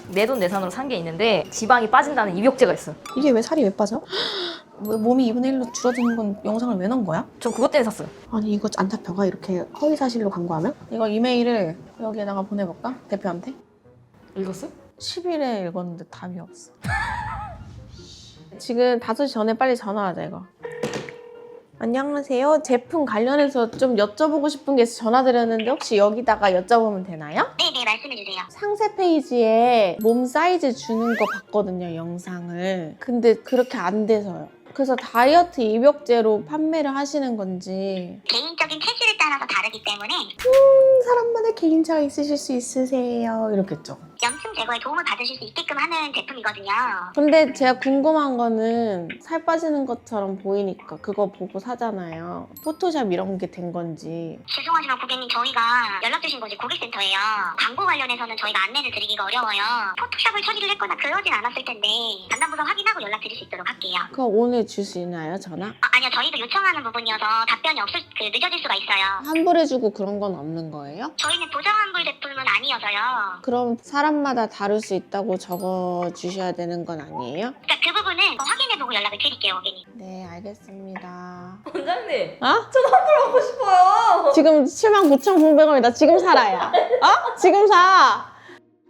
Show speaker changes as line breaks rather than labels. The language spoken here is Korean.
내돈내산으로 산 게 있는데 지방이 빠진다는 입욕제가 있어.
이게 왜 살이 왜 빠져? 왜 몸이 2분의 1로 줄어드는 건 영상을 왜 넣은 거야?
전 그것 때문에 샀어요.
아니 이거 안 잡혀가? 이렇게 허위사실로 광고하면? 이거 이메일을 여기에다가 보내볼까? 대표한테?
읽었어?
10일에 읽었는데 답이 없어. 지금 5시 전에 빨리 전화하자 이거. 안녕하세요. 제품 관련해서 좀 여쭤보고 싶은 게 있어서 전화드렸는데 혹시 여기다가 여쭤보면 되나요?
네네, 말씀해주세요.
상세 페이지에 몸 사이즈 주는 거 봤거든요, 영상을. 근데 그렇게 안 돼서요. 그래서 다이어트 입욕제로 판매를 하시는 건지.
개인적인 체질에 따라서 다르기 때문에
사람마다 개인차가 있으실 수 있으세요. 이렇겠죠.
염증 제거에 도움을 받으실 수 있게끔 하는 제품이거든요.
근데 제가 궁금한 거는 살 빠지는 것처럼 보이니까 그거 보고 사잖아요. 포토샵 이런 게 된 건지.
죄송하지만 고객님, 저희가 연락 주신 곳이 고객센터예요. 광고 관련해서는 저희가 안내를 드리기가 어려워요. 포토샵을 처리를 했거나 그러진 않았을 텐데 담당부서 확인하고 연락 드릴 수 있도록 할게요.
그거 오늘 줄 수 있나요, 전화?
아니요, 저희도 요청하는 부분이어서 답변이 늦어질 수가 있어요.
환불해주고 그런 건 없는 거예요?
저희는 보장환불 제품은 아니어서요.
그럼 사람마다 다를 수 있다고 적어 주셔야 되는 건 아니에요?
그러니까 그 부분은 확인해보고 연락을 드릴게요, 고객님.
네, 알겠습니다.
원장님,
어?
전 환불 받고 싶어요.
지금 79,900원이다. 지금 사라야. 어? 지금 사.